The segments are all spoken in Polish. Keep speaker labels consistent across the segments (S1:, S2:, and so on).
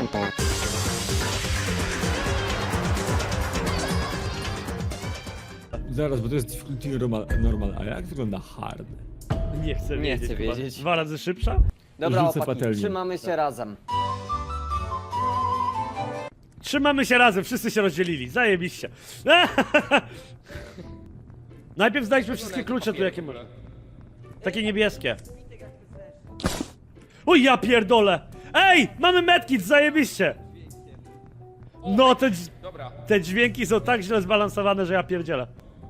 S1: Zaraz, bo to jest difficulty normal, a jak wygląda hard?
S2: Nie chcę
S3: Nie
S2: wiedzieć.
S3: chcę
S2: chyba.
S3: wiedzieć.
S2: 2 razy szybsza?
S3: Dobra,
S1: Rzucę
S3: chłopaki,
S1: patelnię.
S3: trzymamy się razem.
S2: Trzymamy się razem, wszyscy się rozdzielili. Zajebiście. Najpierw znajdźmy wszystkie klucze tu, jakie mamy. Takie niebieskie. Oj, ja pierdolę! Ej! Mamy medkit, zajebiście! No, te dźwięki są tak źle zbalansowane, że ja pierdzielę.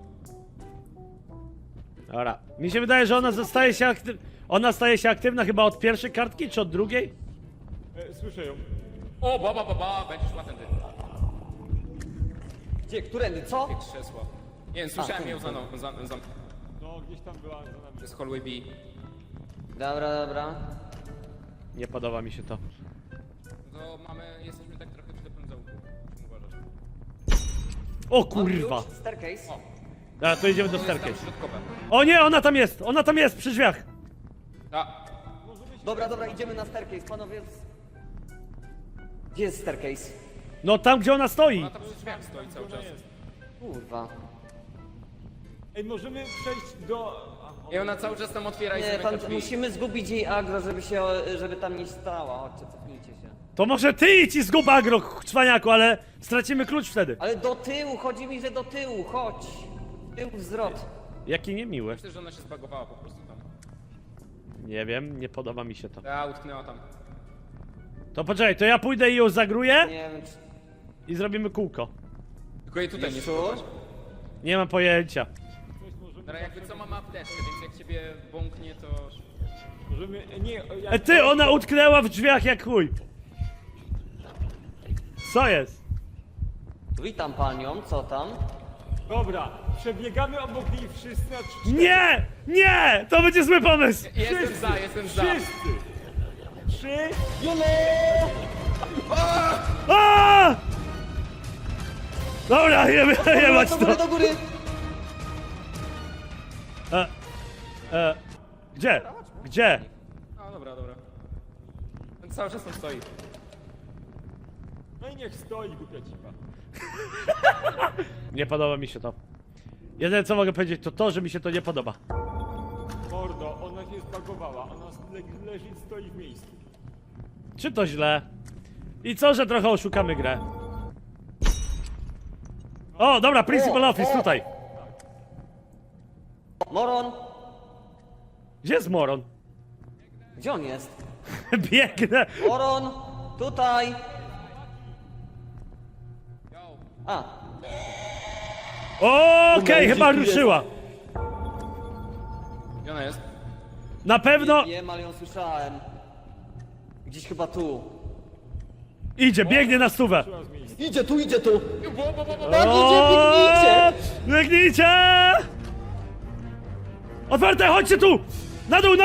S2: Dobra. Mi się wydaje, że ona staje się Ona staje się aktywna chyba od pierwszej kartki, czy od drugiej?
S1: Słyszę ją.
S4: O, będziesz szła tędy.
S3: Gdzie, którędy, co?
S4: Krzesła. Nie wiem, słyszałem ją za
S1: No, gdzieś tam była za nami.
S4: To jest hallway B.
S3: Dobra.
S2: Nie podoba mi się to.
S4: To jesteśmy tak trochę przy pędzełku. Czym uważasz?
S2: O
S3: Mam
S2: kurwa!
S3: klucz, staircase.
S2: Dobra, to idziemy do
S4: To jest tam
S2: staircase.
S4: środkowe.
S2: O nie, ona tam jest! Ona tam jest, przy drzwiach!
S4: A,
S3: Dobra, idziemy na staircase, panowie. Gdzie jest staircase?
S2: No tam, gdzie ona stoi!
S4: ona tam przy drzwiach stoi cały czas.
S3: Kurwa.
S1: Ej, możemy przejść do...
S4: I ona cały czas tam otwiera i
S3: Nie,
S4: zamyka
S3: tam
S4: drzwi.
S3: musimy zgubić jej agro, żeby tam nie stała. Chodźcie, cofnijcie się.
S2: To może ty idź i zgub agro, cwaniaku, ale stracimy klucz wtedy.
S3: Ale do tyłu, chodzi mi, że do tyłu, chodź. Tył wzrot.
S2: Jaki niemiły.
S4: Myślę, że ona się zbagowała po prostu tam.
S2: Nie wiem, nie podoba mi się to.
S4: Utknęła tam.
S2: To poczekaj, to ja pójdę i ją zagruję
S3: Nie wiem, czy...
S2: i zrobimy kółko.
S4: Tylko jej tutaj nie
S3: Jeszcze?
S4: spróbować.
S2: Nie mam pojęcia.
S4: Dobra, jakby co mamy apteczkę, więc jak ciebie bąknie, to...
S1: Możemy... Nie,
S2: Ty, ona utknęła w drzwiach jak chuj. Co jest?
S3: Witam panią, co tam?
S1: Dobra, przebiegamy obok niej wszyscy na 3.
S2: Nie! Nie! To będzie zły pomysł!
S4: Jestem za.
S1: Wszyscy! 3...
S2: A! Dobra, jebać
S3: Do góry,
S2: to.
S3: do góry!
S2: Gdzie? Gdzie?
S4: A, dobra. On cały czas tam stoi.
S1: No i niech stoi, głupia cipa.
S2: Nie podoba mi się to. Jedyne co mogę powiedzieć to to, że mi się to nie podoba.
S1: Mordo, ona się zbagowała, ona leży i stoi w miejscu.
S2: Czy to źle? I co, że trochę oszukamy grę? O, dobra, Principal Office tutaj.
S3: Moron!
S2: Gdzie jest Moron?
S3: Gdzie on jest?
S2: Biegnę.
S3: Moron! Tutaj! A,
S2: Okej, chyba ruszyła.
S4: Gdzie ona jest?
S2: Na pewno
S3: wiem, ale ją słyszałem. Gdzieś chyba tu.
S2: idzie, biegnie na stówę.
S3: Idzie tu!
S2: O, biegnijcie! Otwarte, chodźcie tu! Na dół!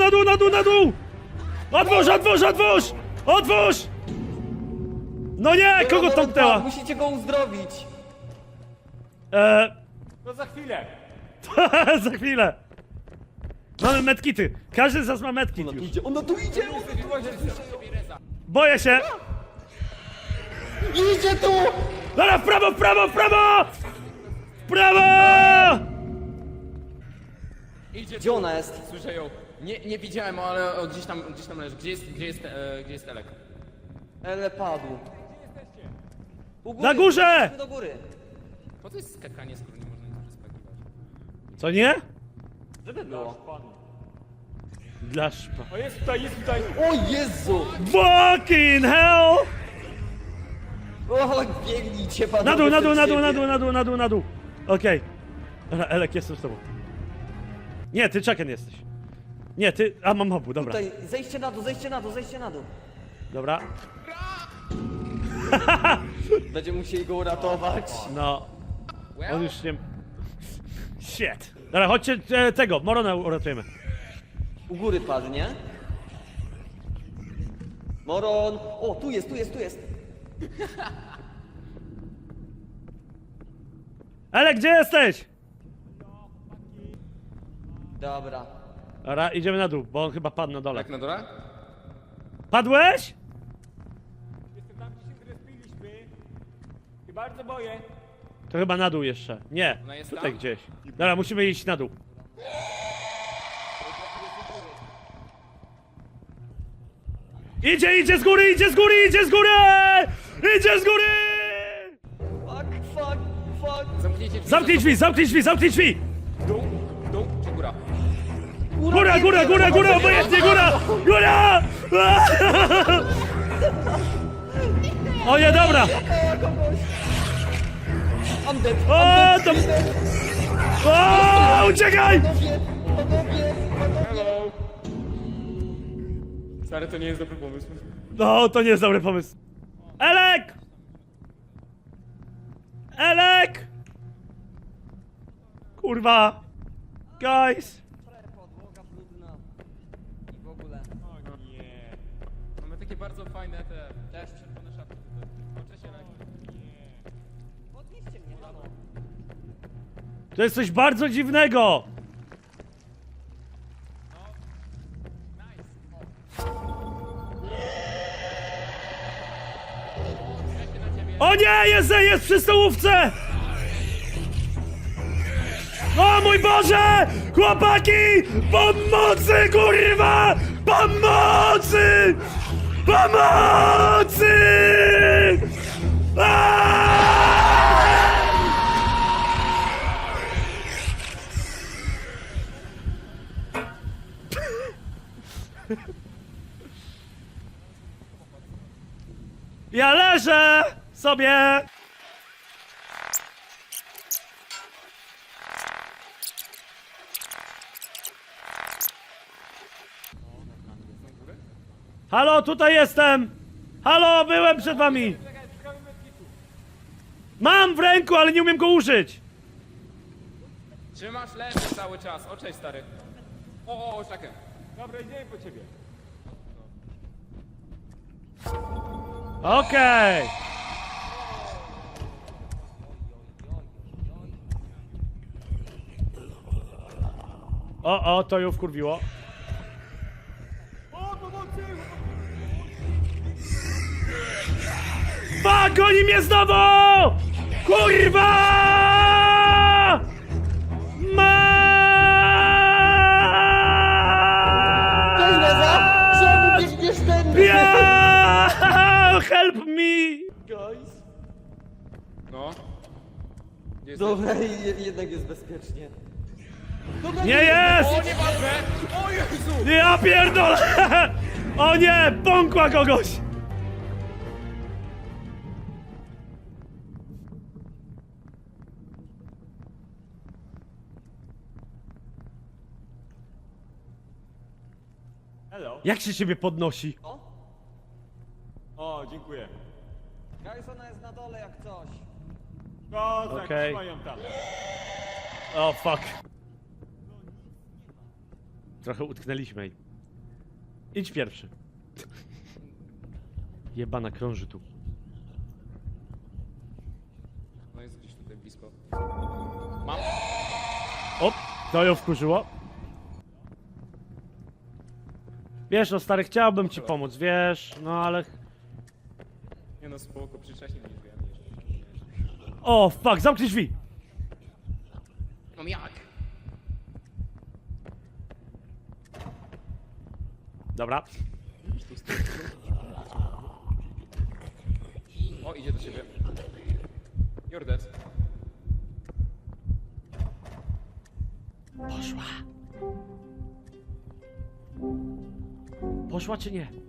S2: Otwórz! No nie, kogo
S3: Moron,
S2: tąpnęła?
S3: tak, musicie go uzdrowić.
S1: No za chwilę!
S2: Za chwilę. Mamy medkity. Każdy z nas ma medkit już.
S3: Ona tu idzie!
S2: Boję się.
S3: Idzie tu!
S2: Dobra, w prawo! W prawo!
S4: Idzie
S3: Gdzie ona jest?
S4: Słyszę ją. Nie widziałem, ale gdzieś tam leży. Gdzie jest Elek?
S3: Ele padł. U góry,
S2: Na górze!
S3: idźmy do góry.
S4: Po co jest skakanie, skoro nie można nic przeskakiwać?
S2: Co nie?
S3: Żeby było.
S2: Dla szpa.
S1: O, jest tutaj!
S3: O Jezu!
S2: Fucking hell!
S3: O, biegnijcie panowie.
S2: Na dół. Okej. Dobra, Elek, jestem z tobą. Nie, ty Chucken jesteś. Nie, ty... A, mam obu, dobra.
S3: Tutaj, zejście na dół.
S2: Dobra.
S3: Będziemy musieli go uratować.
S2: No. On już nie... Shit. Dobra, chodźcie tego, Morona uratujemy.
S3: U góry padnie. Moron! O, tu jest.
S2: Elek, gdzie jesteś?
S3: Dobra.
S2: Dobra, idziemy na dół, bo on chyba padł na dole.
S4: Tak na dole?
S2: Padłeś?
S1: bardzo boję.
S2: To chyba na dół jeszcze. Nie,
S4: Ona jest
S2: tutaj
S4: tam?
S2: gdzieś. Dobra, musimy iść na dół. Idzie z góry, idzie z góry, idzie z góry! Idzie z góry!
S3: Fuck.
S4: Zamknijcie drzwi.
S2: Zamknij drzwi, zamknij drzwi, zamknij drzwi!
S4: Dół czy góra?
S2: Góra, obojętnie, góra! Góra! O nie, dobra!
S3: I'm dead.
S2: O, to... O, uciekaj!
S4: Hello. Stary, to nie jest dobry pomysł.
S2: No, to nie jest dobry pomysł. Elek! Elek! Kurwa! Guys!
S3: Podłoga brudna. I w ogóle.
S1: O nie.
S4: Mamy takie bardzo fajne te... Też czerwone szapki tutaj. Oczy się
S3: Podnieście mnie, halo.
S2: To jest coś bardzo dziwnego! O nie, jest przy stołówce! O mój Boże! Chłopaki! Pomocy, kurwa! Pomocy! Pomocy! Aaaa! Ja leżę sobie! Halo, tutaj jestem! Halo, byłem przed wami! Mam w ręku, ale nie umiem go użyć!
S4: Trzymasz lewy cały czas. O, cześć, stary. O, takę.
S1: Dobra, idziemy po ciebie.
S2: Okej! O, to ją wkurwiło.
S1: O, pomocy!
S2: Fuck, oni mnie znowu! Kurwa!
S3: Cześć, Neza! Czemu biegniesz tędy?
S2: Yeah! Help me!
S3: Guys.
S4: No. Gdzie jesteś?
S3: Dobra, jednak jest bezpiecznie. Dobra,
S2: Nie jest!
S4: O, nieważne! O Jezu!
S2: Ja pierdolę! O nie! Pąkła kogoś!
S1: Hello.
S2: Jak się ciebie podnosi?
S1: O, dziękuję.
S3: Guys, ona jest na dole jak coś.
S1: Kozak,
S2: Okej.
S1: trzymają tam.
S2: O, fuck. Trochę utknęliśmy jej. Idź pierwszy. Jebana krąży tu.
S4: No jest gdzieś tutaj blisko. Mam.
S2: O, to ją wkurzyło. Wiesz, no stary, chciałbym ci pomóc, wiesz, no ale...
S4: Nie no, spoko, przycześnie mnie drzwiami jeszcze.
S2: O, fuck, zamknij drzwi!
S4: No jak?
S2: Dobra.
S4: O, idzie do ciebie. You're dead.
S2: Poszła. Poszła czy nie?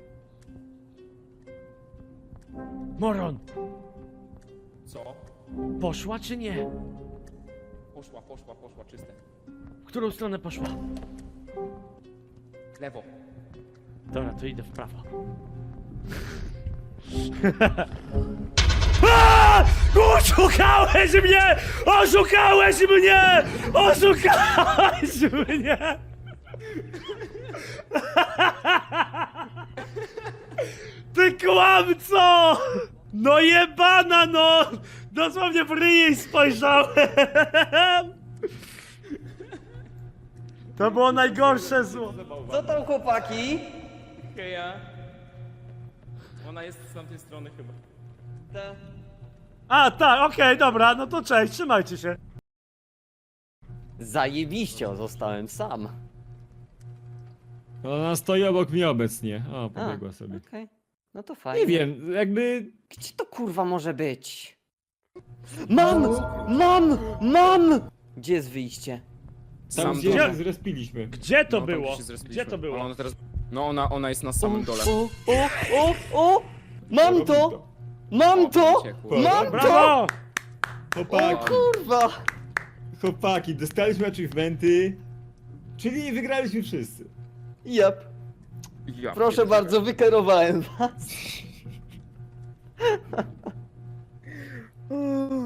S2: Moron!
S4: Co?
S2: Poszła czy nie?
S4: Poszła, czyste.
S2: W którą stronę poszła?
S4: Lewo.
S2: Dobra, to idę w prawo. A! Oszukałeś mnie! Oszukałeś mnie! Oszukałeś mnie! Ty kłamco! No jebana no! Dosłownie w ryj spojrzałem! To było najgorsze zło.
S3: Co tam, chłopaki?
S4: Heja. Ona jest z tamtej strony chyba.
S3: Te...
S2: A, tak, okej, dobra, no to cześć, trzymajcie się.
S3: Zajebiście, zostałem sam.
S1: Ona stoi obok mnie obecnie. O, pobiegła sobie.
S3: Okej. No to fajnie.
S1: Nie wiem, jakby...
S3: Gdzie to kurwa może być? Mam! Mam! Gdzie jest wyjście?
S1: Tam
S4: Sam
S1: gdzie
S4: dół.
S1: się zrespiliśmy.
S2: Gdzie to
S4: No, tam
S2: było?
S4: gdzie się zrespiliśmy.
S2: Gdzie to było?
S4: Ona teraz... No ona jest na samym dole.
S3: O! Mam to! Mam to!
S4: Uciekło.
S3: Mam to!
S2: Brawo!
S3: O
S1: Chłopaki,
S3: kurwa!
S1: chłopaki, dostaliśmy achievementy, czyli wygraliśmy wszyscy.
S3: Jep.
S4: Ja
S3: Proszę
S4: pierdzielę.
S3: bardzo, wykierowałem was.